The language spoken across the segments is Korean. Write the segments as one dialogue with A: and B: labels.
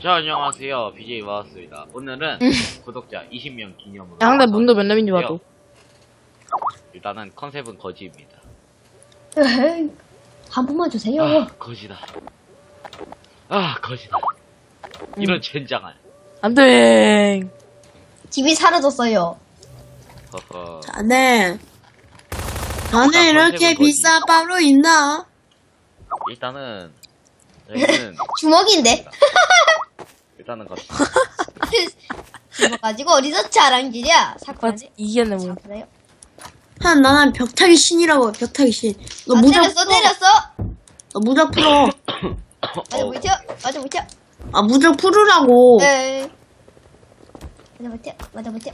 A: 자, 안녕하세요. BJ 마우스입니다. 오늘은 구독자 20명 기념으로.
B: 야, 근데 문도 몇 남인지 봐도.
A: 일단은 컨셉은 거지입니다.
C: 에이, 한 번만 주세요.
A: 아, 거지다. 아, 거지다. 이런 젠장한.
B: 안 돼.
C: 집이 사라졌어요.
A: 허허.
D: 자네
A: 컨셉은
D: 이렇게
A: 거지.
D: 비싼 빵으로 있나?
A: 일단은, 저희는,
C: 주먹인데?
A: 일단은 거지.
C: 주먹 가지고 어디서 자랑질이야?
B: 아,
C: 사쿠라지?
B: 이겼네, 뭐.
C: 사쿠라요?
D: 나는 벽타기 신이라고. 벽타기 신. 너
C: 아,
D: 무적
C: 때렸어,
D: 풀어.
C: 때렸어!
D: 너 무적 풀어.
C: 맞아, 못 튀어! 맞아, 못 튀어!
D: 아 무적 풀으라고.
C: 에이. 맞아, 못 튀어! 맞아, 못 튀어!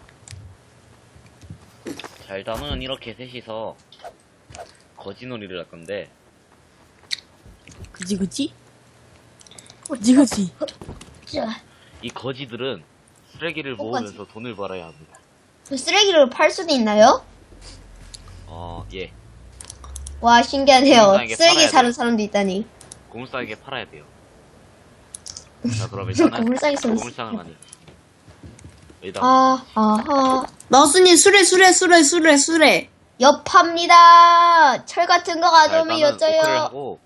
A: 자, 일단은 이렇게 셋이서 거지놀이를 할 건데,
B: 그지, 그지? 그지.
C: 자,
A: 이 거지들은 쓰레기를 모으면서 돈을 벌어야 합니다.
C: 그 쓰레기를 팔 수도 있나요?
A: 예.
C: 와, 신기하네요.
A: 공무상에게
C: 쓰레기
A: 팔아야
C: 사는
A: 돼요.
C: 사람도 있다니.
A: 고물상에게 팔아야 돼요. 자, 그럼 일단은
C: 고물상에 써 있어.
A: 고물상을 만들자. 여기다
C: 아하.
D: 마우스님 수레.
C: 엽합니다. 철 같은 거 가져오면
A: 오크를
C: 여쭤요.
A: 하고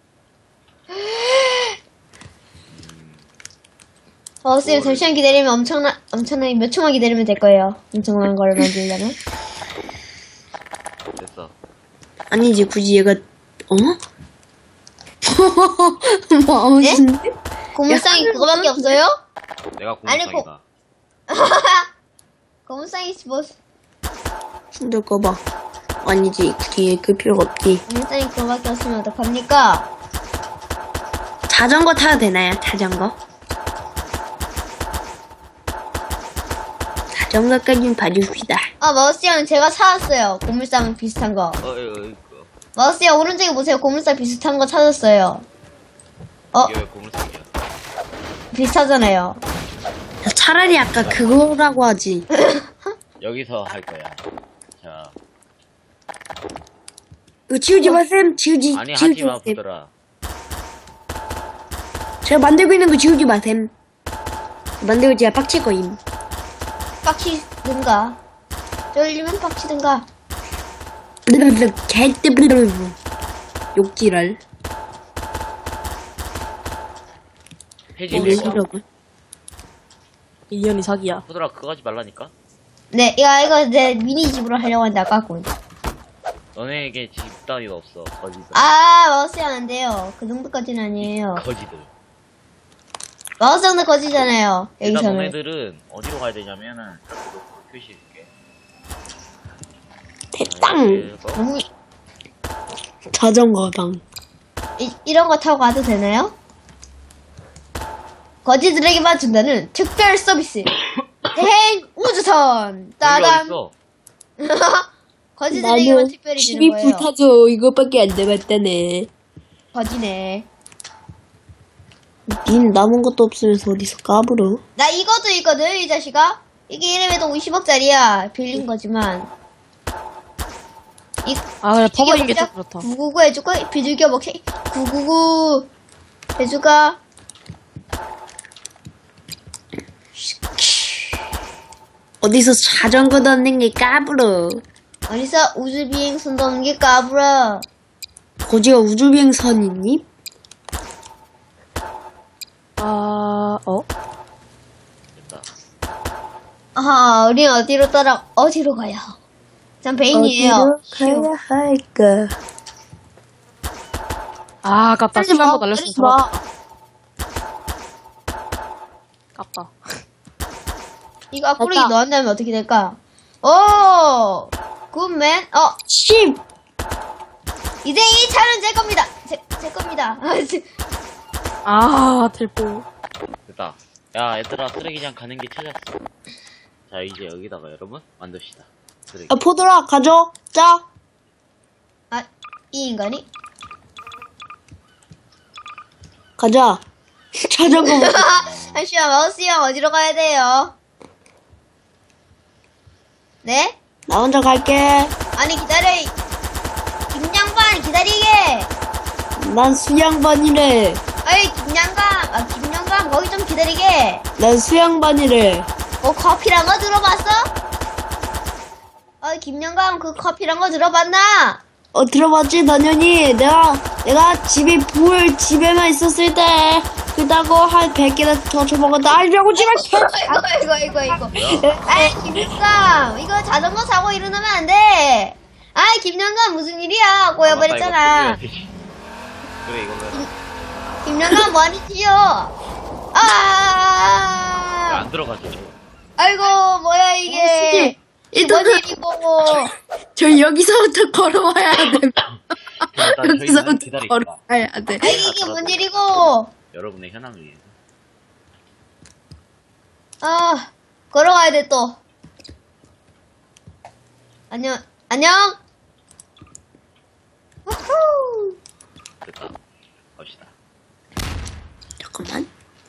C: 쌤, 잠시만 기다리면 엄청나게 몇 초만 기다리면 될 거예요. 엄청난 걸 만들려면.
A: 됐어.
D: 아니지 굳이 얘가 마우스.
C: 고물상이 그거밖에 없어요?
A: 내가
C: 아니,
A: 고물상이다.
C: 고물상이 뭐,
D: 힘들 거 봐. 아니지 굳이 그 필요가 없지.
C: 고물상이 그거밖에 없으면 어떡합니까?
D: 자전거 타도 되나요? 자전거까지는 봐줍시다.
C: 마우스 형 제가 사왔어요. 고물상 비슷한 거. 마우스 형 오른쪽에 보세요. 고물상 비슷한 거 찾았어요.
A: 이게 왜 고물상이야?
C: 비슷하잖아요.
D: 차라리 아까 그거라고 하지.
A: 여기서 할 거야. 자,
D: 이거 지우지 마셈. 지우지
A: 아니
D: 지우지
A: 하지마
D: 마셈.
A: 부들아.
D: 제가 만들고 있는 거 지우지 마셈. 만들고 제가 빡칠 거임.
C: 빡치든가. 쫄리면 빡치든가.
D: 욕지랄.
A: 해지면서
B: 이현이 사기야.
A: 부들아 그거 하지 말라니까.
C: 네, 이거 내 미니집으로 하려고 하는데 아깝군.
A: 너네에게 집 따위가 없어. 거지들.
C: 마우스 형 안 돼요. 그 정도까지는 아니에요.
A: 거지들.
C: 마우스 형도 거지잖아요.
A: 일단
C: 여기서는.
A: 너네들은 어디로 가야 되냐면은 저기로 표시해줄게.
D: 대땅.
C: 너무
D: 자전거당.
C: 이런 거 타고 가도 되나요? 거지들에게만 준다는 특별 서비스. 대행 우주선. 따단.
A: 있어.
C: 거지들에게만 특별히 주는
D: 집이
C: 거예요.
D: 불타져. 이것밖에 안 남았다네.
C: 거지네.
D: 닌 남은 것도 없으면서 어디서 까불어?
C: 나 이것도 있거든, 이 자식아. 이게 이름에도 50억짜리야. 빌린 거지만.
B: 아, 그래, 퍼버린 게 좀 그렇다.
C: 999 해줄까? 비둘기 먹게. 999 해줄까?
D: 어디서 자전거 던는 게 까불어.
C: 어디서 우주비행선 도는 게 까불어.
D: 거지가 우주비행선이니?
A: 됐다.
C: 아하, 우린 어디로 가요? 전 베인이에요.
D: 어디로 가야 할까?
B: 아, 아깝다.
D: 빨리
B: 시간
D: 와,
B: 더 날렸으면
D: 빨리 와.
B: 잡았다. 아깝다.
C: 이거 앞구르기
B: 됐다.
C: 넣었다면 어떻게 될까? 오! 굿맨.
D: 씹!
C: 이제 이 차는 제 겁니다. 제 겁니다.
B: 텔포.
A: 됐다. 야 얘들아 쓰레기장 가는 길 찾았어. 자 이제 여기다가 여러분 만듭시다. 쓰레기.
D: 아, 포도라, 가져. 짜.
C: 이 인간이?
D: 가자. 자전거.
C: 잠시만, 마우스 형 어디로 가야 돼요? 네?
D: 나 혼자 갈게.
C: 아니, 기다려. 김양반, 기다리게!
D: 난 수양반이래.
C: 어이, 김영감, 거기 좀 기다리게.
D: 난 수양반이래.
C: 커피란 거 들어봤어? 어이, 김영감, 그 커피란 거 들어봤나?
D: 들어봤지, 당연히. 내가 집에만 있었을 때, 그다고 한 100개나 더 줘먹었다. 알려고 지금
C: 아이고. 아이, 김영감, 이거 자전거 사고 일어나면 안 돼. 아이, 김영감, 무슨 일이야? 꼬여버렸잖아.
A: 그래, 이거 왜.
C: 김영감, 뭐하니지요?
A: 안 들어가죠.
C: 아이고, 뭐야, 이게. 뭔
D: 일단은,
C: 일이고.
D: 저 여기서부터 걸어와야 돼.
A: 일단 저희는
D: 여기서부터
A: 기다립니다.
D: 걸어와야 돼.
C: 아이, 이게 뭔 일이고.
A: 여러분의 현황을 위해서.
C: 걸어가야 돼, 또. 안녕. 우후.
A: 됐다. 갑시다.
D: 잠깐만.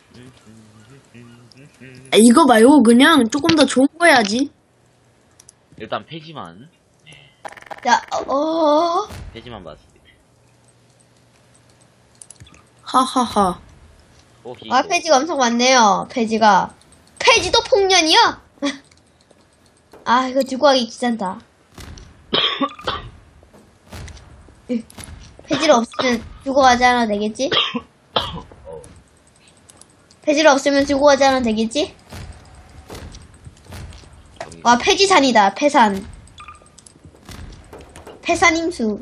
D: 이거 말고 그냥 조금 더 좋은 거 해야지.
A: 일단 폐지만
C: 자,
A: 폐지만 봤습니다.
D: 하하하.
C: 폐지가 엄청 많네요, 폐지가. 폐지도 폭년이요? 이거 들고 가기 귀찮다. 폐지를 없으면 들고 가지 않아도 되겠지? 폐지를 없으면 들고 가지 않아도 되겠지? 와, 폐지산이다, 폐산. 폐산임수.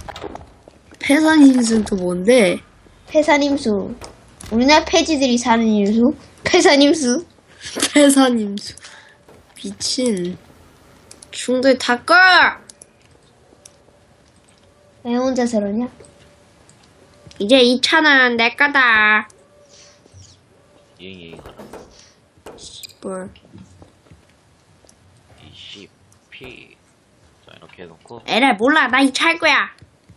D: 폐산임수는 또 뭔데?
C: 폐산임수. 우리나라 폐지들이 사는 임수? 폐산임수.
D: 폐산임수. 미친. 중도에 다 꺼!
C: 왜 혼자 저러냐?
D: 이제 2,000원 내 거다.
A: 예잉 가라.
D: 뭘.
A: 20p. 자, 이렇게 해놓고.
D: 에라 몰라 나 이 차 할 거야.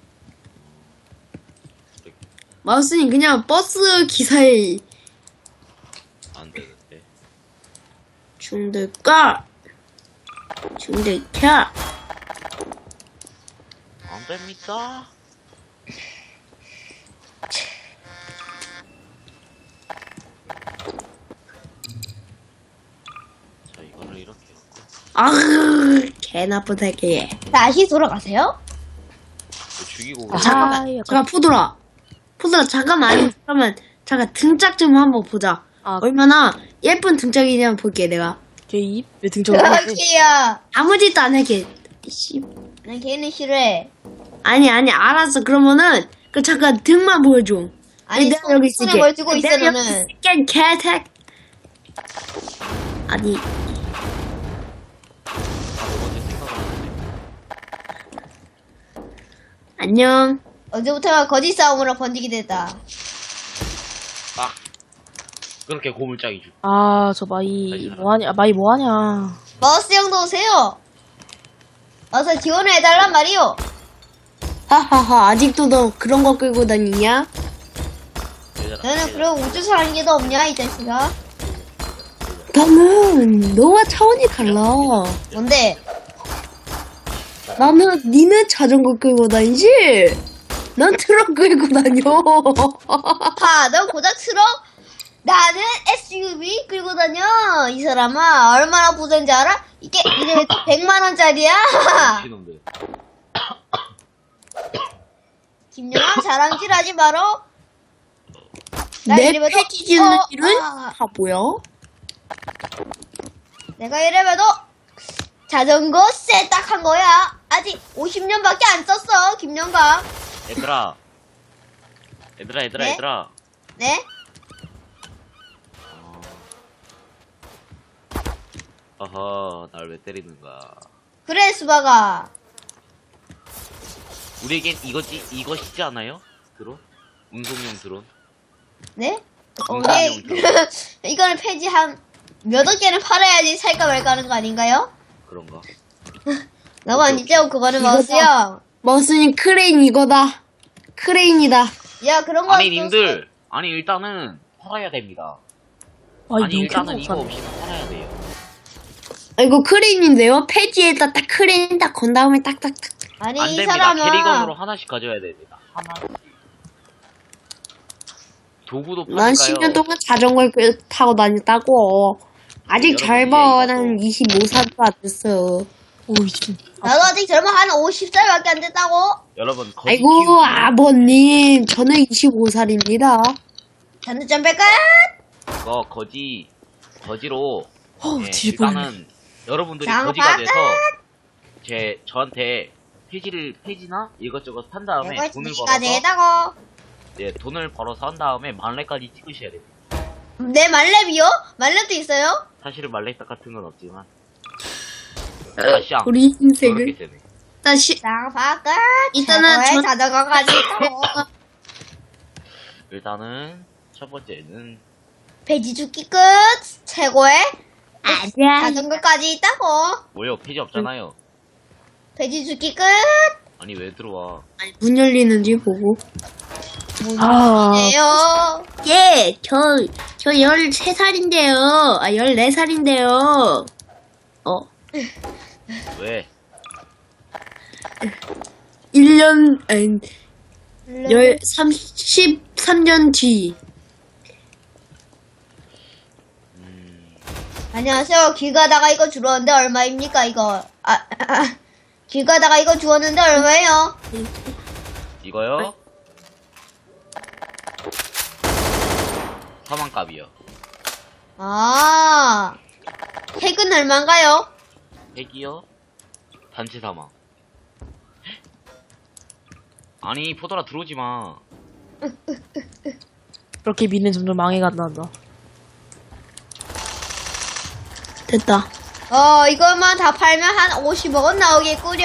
D: 마우스님 그냥 버스 기사에
A: 안 되는데.
D: 중도 꺼. 중도 켜.
A: 안 됩니다. 자, 이거를 이렇게 해놓고.
D: 개 나쁜 새끼.
C: 다시 돌아가세요?
A: 이거 죽이고.
D: 잠깐 푸드라 잠깐만. 잠깐 등짝 좀 한번 보자. 얼마나 예쁜 등짝이냐 한번 볼게 내가.
B: 제입? 왜 등장을 해?
C: 걔야.
D: 아무 짓도 안 할게. 씨.
C: 난 걔는 싫어해.
D: 아니 알았어. 그러면은 그 잠깐 등만 보여줘.
C: 아니,
D: 내가 여기 있을게.
C: 손에 뭘 들고 있어,
D: 내가
C: 너는.
D: 여기 있을게, 개색. 아니
A: 어제 생각을 하는데.
D: 안녕.
C: 언제부턴가 거짓 싸움으로 번지게 됐다.
A: 그렇게 고물짝이 주.
B: 저 마이 뭐하냐? 마이 뭐하냐?
C: 마우스 형도 오세요. 어서 지원을 해달란 말이오.
D: 하하하. 아직도 너 그런 거 끌고 다니냐?
C: 너는 그런 우주선 하는 게 더 없냐, 이 자식아?
D: 나는 너와 차원이 달라.
C: 뭔데?
D: 니는 자전거 끌고 다니지? 난 트럭 끌고 다녀.
C: 너 고작 트럭? 나는 SUV 끌고 다녀. 이 사람아, 얼마나 부자인지 알아? 이게 100만원짜리야.
A: 미친놈들.
C: 김영환 자랑질 하지 마라. 나
D: 내
C: 이래봬도-
D: 패지 주는 일은 다 뭐야?
C: 내가 이래봬도 자전거 세딱한 거야. 아직 50년밖에 안 썼어, 김영감.
A: 얘들아.
C: 네?
A: 얘들아.
C: 네?
A: 어허, 날 왜 때리는가.
C: 그래, 수박아.
A: 우리에겐 이것이지 않아요? 드론? 운송용 드론?
C: 네?
A: 운송용 드론.
C: 이거는 폐지 한 몇억 개는 팔아야지 살까 말까 하는 거 아닌가요?
A: 그런가?
C: 너무 아니죠? 그거는
D: 이거다.
C: 마우스요.
D: 머스님 크레인 이거다. 크레인이다.
C: 야, 그런 거.
A: 아니, 님들. 아니, 일단은 팔아야 됩니다. 아니, 일단은 이거
B: 없어.
A: 없이는 팔아야 돼요.
D: 이거 크레인인데요? 폐지에다 딱 크레인 딱 건 다음에 딱딱딱.
C: 아니,
A: 안
C: 이
A: 됩니다.
C: 사람아.
A: 캐리건으로 하나씩 가져야 됩니다. 하나씩. 도구도
D: 난
A: 파니까요.
D: 10년 동안 자전거를 타고 다녔다고. 아직
A: 여러분,
D: 젊어.
A: 이제
D: 난 25살도 안 됐어.
B: 오, 지금.
C: 나도 아직 젊어 한 50살밖에 안 됐다고.
A: 여러분 거지
D: 아이고,
A: 키우기.
D: 아버님. 저는 25살입니다.
C: 잔드 좀 뺄까?
A: 이거 거지로 예,
B: 뒤집어졌네.
A: 일단은 여러분들이
C: 장
A: 거지가 돼서
C: 바깥!
A: 저한테 페이지나 이것저것 산 다음에
C: 이거
A: 돈을
C: 지가
A: 벌어서
C: 내다고.
A: 예, 돈을 벌어서 한 다음에 만렙까지 찍으셔야 돼요.
C: 내 말렙이요? 말렙도 있어요?
A: 사실은 만렙 같은 건 없지만 아시앙
D: 우리
A: 그렇게
D: 인생을.
A: 세네.
D: 다시,
C: 장 바깥.
D: 일단은
C: 최고의
D: 전-
C: 자전거까지 있다고.
A: 일단은 첫 번째는
C: 배지 죽기 끝. 최고의
D: 아니야.
C: 자전거까지 있다고.
A: 뭐요? 페이지 없잖아요.
C: 배지 죽기 끝.
A: 아니 왜 들어와?
D: 문 열리는지 보고.
B: 아,
C: 네요.
D: 예, 저 13살인데요. 아, 14살인데요.
A: 왜?
D: 1년, 아니, 33년 뒤.
C: 안녕하세요. 길 가다가 이거 주웠는데 얼마입니까, 이거? 길 가다가 이거 주웠는데 얼마예요?
A: 이거요? 사망값이요.
C: 아, 핵은 얼마인가요?
A: 핵이요? 단체 사망. 아니 포도라 들어오지 마.
B: 그렇게 미는 점점 망해간다.
D: 됐다.
C: 이것만 다 팔면 한 50억 원 나오겠구려.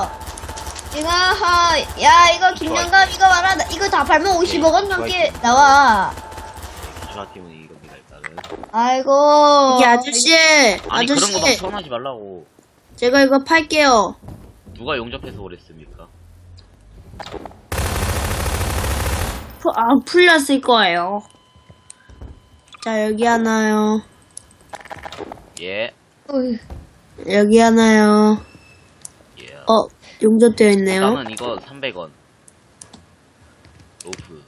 C: 야, 이거 김영감 이거 봐라. 이거 다 팔면 50억 원 넘게 나와.
A: 기수아팀은 이겁니다 일단은.
C: 아이고.
D: 이게 아저씨,
A: 아니 그런 거 막
D: 아저씨,
A: 서운하지 말라고.
D: 제가 이거 팔게요.
A: 누가 용접해서 그랬습니까?
D: 풀렸을 거예요. 자, 여기 하나요.
A: 예.
C: 어휴,
D: 여기 하나요.
A: 예.
D: 용접되어 있네요.
A: 일단은 이거 300원. 로프.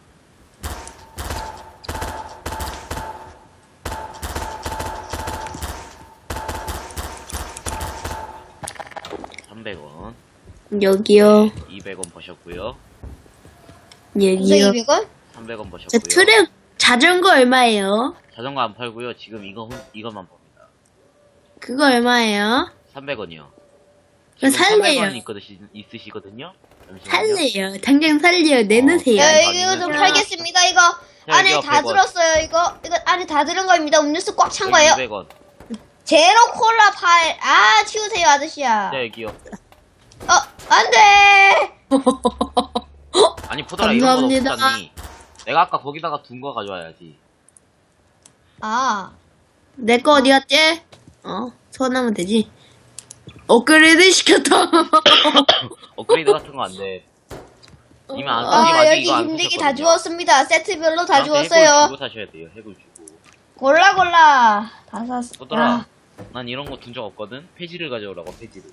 A: (300원)
D: 여기요.
A: 200원 버셨고요.
C: 무슨
D: 여기요.
C: 200원?
A: 300원
D: 자,
A: 버셨고요.
D: 트랙, 자전거 얼마예요?
A: 자전거 안 팔고요. 지금 이것만 봅니다.
D: 그거 얼마예요?
A: 300원이요.
D: 그거 살래요.
A: 300원 있으시거든요. 잠시만요.
D: 살래요. 당장 살래요. 내놓으세요.
C: 야,
A: 아,
C: 이거 좀
A: 이거는-
C: 팔겠습니다, 이거.
A: 자,
C: 안에
A: 여기요,
C: 다
A: 100원.
C: 들었어요, 이거. 이거 안에 다 들은 거입니다. 음료수 꽉 찬 거예요.
A: 200원.
C: 제로 콜라 팔. 아, 치우세요, 아저씨야.
A: 자 여기요.
C: 안 돼!
A: 아니 포도라 이런 거
D: 감사합니다.
A: 없잖니. 내가 아까 거기다가 둔 거 가져와야지.
C: 아,
D: 내 거 어디 갔지? 소환하면 되지. 업그레이드 시켰다.
A: 업그레이드 같은 거 안 돼. 이미 안 쓰지 마지
C: 여기
A: 이거 안
C: 힘들게
A: 쓰셨거든요.
C: 다 주웠습니다. 세트별로 다
A: 저한테 핵을
C: 주웠어요.
A: 주고 사셔야 돼요. 핵을 주고.
C: 골라. 다 샀어.
A: 포도라. 난 이런 거 둔 적 없거든. 폐지를 가져오라고 폐지를.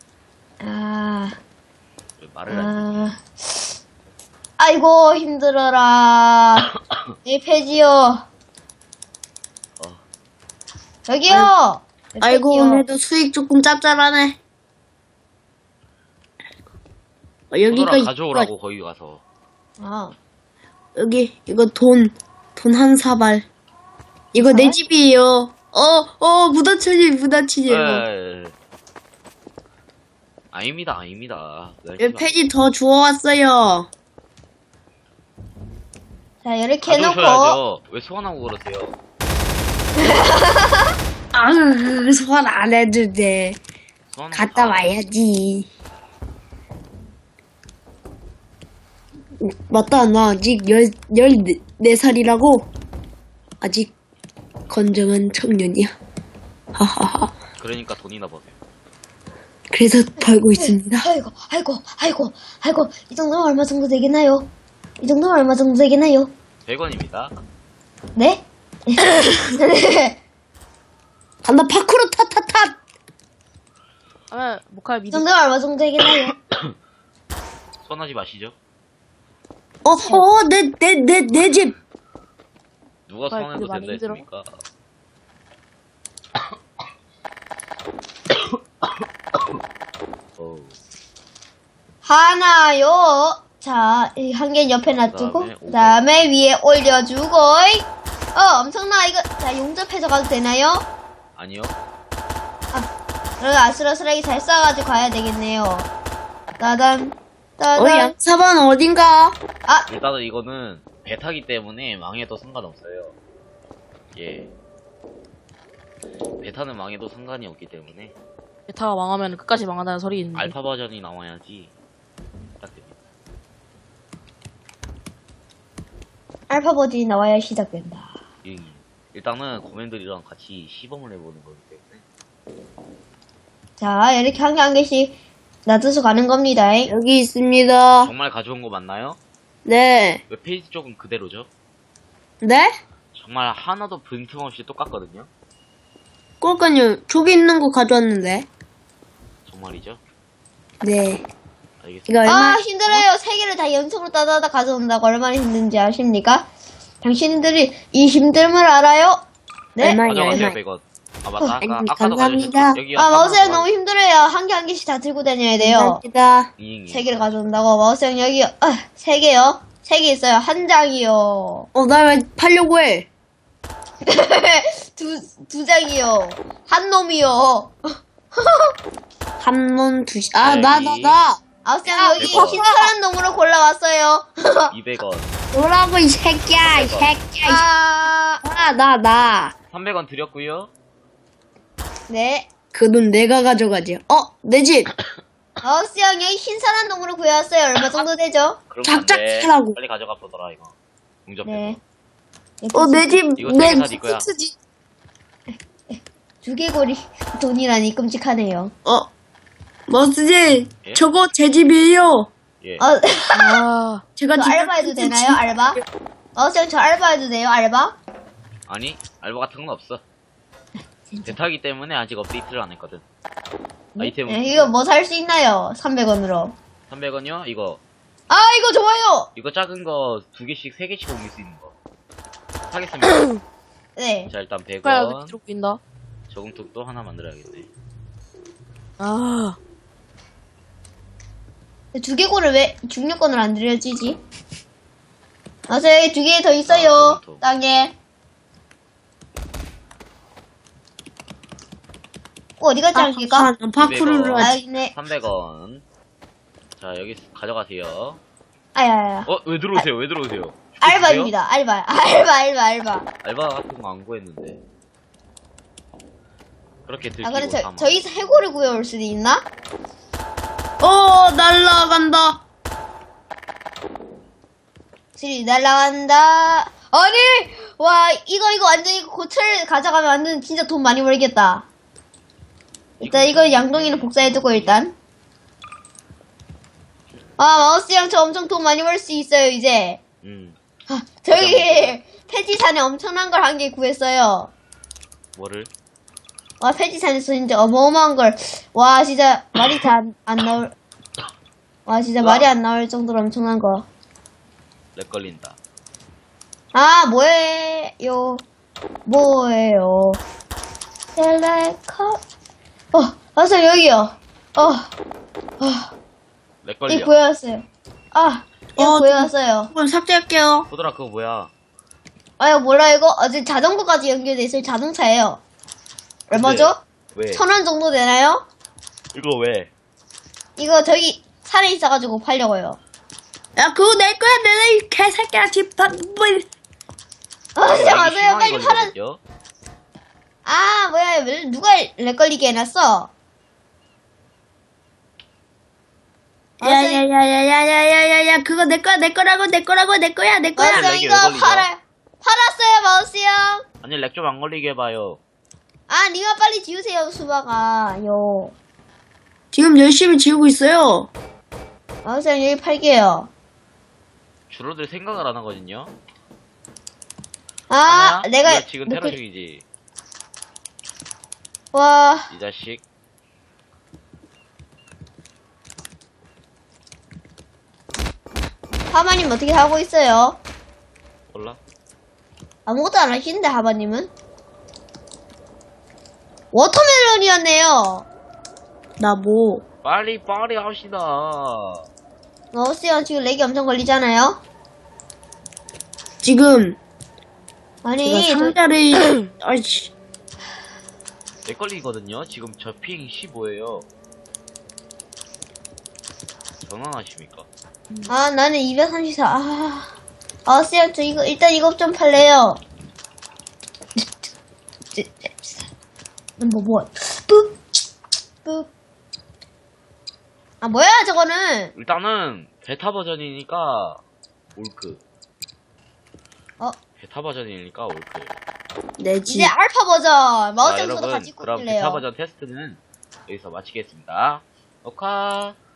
A: 왜 말을 안 해?
C: 아이고, 힘들어라. 내 폐지요. 저기요. 내
D: 아이고,
C: 폐지요.
D: 오늘도 수익 조금 짭짤하네. 여기가
A: 포도라 가져오라고 거기 가서.
D: 여기 이거 돈 한 사발. 이거 내 집이에요. 무다치지.
A: 에. 아닙니다.
D: 몇 페이지 더 주워왔어요.
C: 자, 이렇게 해놓고.
A: 가져오셔야죠. 왜 소환하고 그러세요?
D: 소환 안 해도 돼.
A: 소환하고
D: 갔다
A: 가.
D: 와야지. 맞다, 나 아직 14살이라고? 아직 건정한 청년이야. 하하하.
A: 그러니까 돈이나 버세요.
D: 그래서 벌고 있습니다.
C: 아이고. 이 정도면 얼마 정도 되겠나요?
A: 100원입니다.
C: 네?
D: 간다, 파쿠르 타타타!
B: 모카
C: 이
B: 미드.
C: 정도면 얼마 정도 되겠나요?
A: 소환하지 마시죠.
D: 내 집!
A: 누가
B: 정말
A: 소환해도
B: 그게 많이
A: 된다
B: 힘들어?
A: 했습니까? 어우,
C: 하나요. 자, 한 개 옆에 놔두고,
A: 그다음에
C: 그 다음에 위에 올려주고, 엄청나, 이거. 자, 용접해서 가도 되나요?
A: 아니요.
C: 그럼 아슬아슬하게 잘 쏴가지고 가야 되겠네요. 따단, 따단.
D: 양사반 어딘가?
A: 일단은 이거는 배 타기 때문에 망해도 상관없어요. 예. 배 타는 망해도 상관이 없기 때문에
B: 베타가 망하면 끝까지 망한다는 소리 있는데.
A: 알파 버전이 나와야지 딱 됩니다.
C: 알파 버전이 나와야 시작된다.
A: 예. 일단은 고맨들이랑 같이 시범을 해보는 거기 때문에
C: 자, 이렇게 한 개 한 개씩 놔둬서 가는 겁니다.
D: 여기 있습니다.
A: 정말 가져온 거 맞나요?
D: 네.
A: 웹페이지 쪽은 그대로죠?
D: 네?
A: 정말 하나도 빈틈없이 똑같거든요?
D: 그러니까요. 저기 있는 거 가져왔는데.
A: 정말이죠?
D: 네.
A: 알겠습니다.
D: 이거 얼마?
C: 힘들어요. 세 개를 다 연속으로 따다다 가져온다고 얼마나 힘든지 아십니까? 당신들이 이 힘듦을 알아요? 네?
D: 얼마예요?
A: 가져가세요,
D: 얼마?
A: 100원. 아, 맞다.
D: 아니,
A: 아까도
D: 감사합니다.
A: 가져오셨죠? 여기요.
C: 마우스형 너무 힘들어요. 한 개 한 개씩 다 들고 다녀야 돼요.
D: 감사합니다.
C: 세 개를 가져온다고. 마우스형 여기요. 세 개요. 세 개 있어요. 한 장이요.
D: 나 왜 팔려고 해?
C: 두 장이요. 한 놈이요.
D: 한 놈, 두,
A: 나.
C: 마우스형 여기
A: 대박.
C: 신선한 놈으로 골라왔어요.
A: 200원.
D: 뭐라고, 이 새끼야, 이 새끼야. 나.
A: 300원 드렸고요.
C: 네.
D: 그 돈 내가 가져가지. 내 집.
C: 마우스형 여기 신선한 놈으로 구해왔어요. 얼마 정도 되죠?
A: 그럼
D: 작작
A: 안 돼.
D: 하라고.
A: 빨리 가져가 보더라, 이거. 용접해서.
C: 네.
D: 내 집,
A: 이거
D: 내
A: 세개다 네 거야.
D: 집.
C: 두개골이 돈이라니 끔찍하네요.
D: 머스지,
A: 예?
D: 저거 제 집이에요.
A: 예.
B: 아,
D: 제가
C: 저
D: 집
C: 알바해도 되나요? 알바? 마우스형 저 알바해도 돼요? 알바?
A: 아니, 알바 같은 건 없어. 대타기 때문에 아직 업데이트를 안 했거든. 아이템은
C: 네, 이거 뭐 살 수 있나요? 300원으로.
A: 300원이요? 이거
C: 이거 좋아요!
A: 이거 작은 거 2개씩 3개씩 옮길 수 있는 거 사겠습니다.
C: 네.
A: 자, 일단
B: 빨리
A: 100원
B: 밑으로 낀다.
A: 저금통도 하나 만들어야겠네.
B: 아,
C: 두개골을 왜 중력권을 안 들여주지? 마우스 여기 두 개 더 있어요.
A: 저금통.
C: 땅에. 어디 갔지 않습니까?
D: 파쿠르를 하지.
C: 네.
A: 300원. 자, 여기 가져가세요.
C: 아야야.
A: 왜 들어오세요? 왜 들어오세요?
C: 알바입니다. 알바.
A: 알바 같은 거 안 구했는데. 그렇게 들키고
C: 근데
A: 사망.
C: 저희 해골을 구해올 수도 있나?
D: 날라간다.
C: 슬이 날라간다. 아니! 와, 이거 완전 이거 고철 가져가면 완전 진짜 돈 많이 벌겠다. 일단 이거 양동이는 복사해두고 일단. 마우스랑 저 엄청 돈 많이 벌 수 있어요, 이제. 저기, 폐지산에 엄청난 걸 한 개 구했어요.
A: 뭐를?
C: 와, 폐지산에서 진짜 어마어마한 걸. 와, 진짜 말이 다 안 나올. 와, 진짜 말이 안 나올 정도로 엄청난 거.
A: 렉 걸린다.
C: 뭐예요? 셀레커. 와서 여기요.
A: 렉
C: 이
A: 걸려.
C: 구해왔어요. 이거 구해왔어요.
D: 그럼 삭제할게요.
A: 호들아, 그거 뭐야?
C: 이거 몰라, 이거? 어제 자전거까지 연결돼 있어요. 자동차예요. 얼마죠?
A: 왜?
C: 1,000원 정도 되나요?
A: 이거 왜?
C: 이거 저기 산에 있어가지고 팔려고요.
D: 야, 그거 내 거야. 내가 이 개새끼야. 집 다,
C: 진짜 맞아요. 빨리 팔아.
A: 걸리거든요?
C: 뭐야, 왜 누가 렉 걸리게 해놨어?
D: 야야야야야야야야 그거 내 거야. 내 거야.
C: 마우스 형
A: 렉이
C: 이거
A: 왜 걸리죠?
C: 팔았어요, 마우스 형.
A: 아니, 렉 좀 안 걸리게 해봐요.
C: 니가 빨리 지우세요, 수박아.
D: 지금 열심히 지우고 있어요.
C: 마우스 형 여기 팔게요.
A: 줄어들 생각을 안 하거든요?
C: 내가
A: 이거 지금 테러 중이지.
C: 와,
A: 이 자식.
C: 하마님 어떻게 하고 있어요?
A: 몰라?
C: 아무것도 안 하시는데, 하바님은? 워터멜론이었네요.
D: 나 뭐.
A: 빨리 합시다.
C: 어스요, 지금 렉이 엄청 걸리잖아요?
D: 지금,
C: 아니,
D: 제가 상자를, 아이씨.
A: 내 걸리거든요. 지금 저 핑 15예요. 전환하십니까?
C: 나는 234. 어스요, 저 일단 이거 좀 팔래요. 뭐, 뿌, 뿌. 뭐야, 저거는.
A: 일단은 베타 버전이니까 올크. 베타 버전이니까 올크.
D: 내 집.
C: 이제 알파 버전. 마우스
A: 자,
C: 점수도
A: 여러분,
C: 같이
A: 그럼
C: 꽂길래요.
A: 베타 버전 테스트는 여기서 마치겠습니다. 녹화.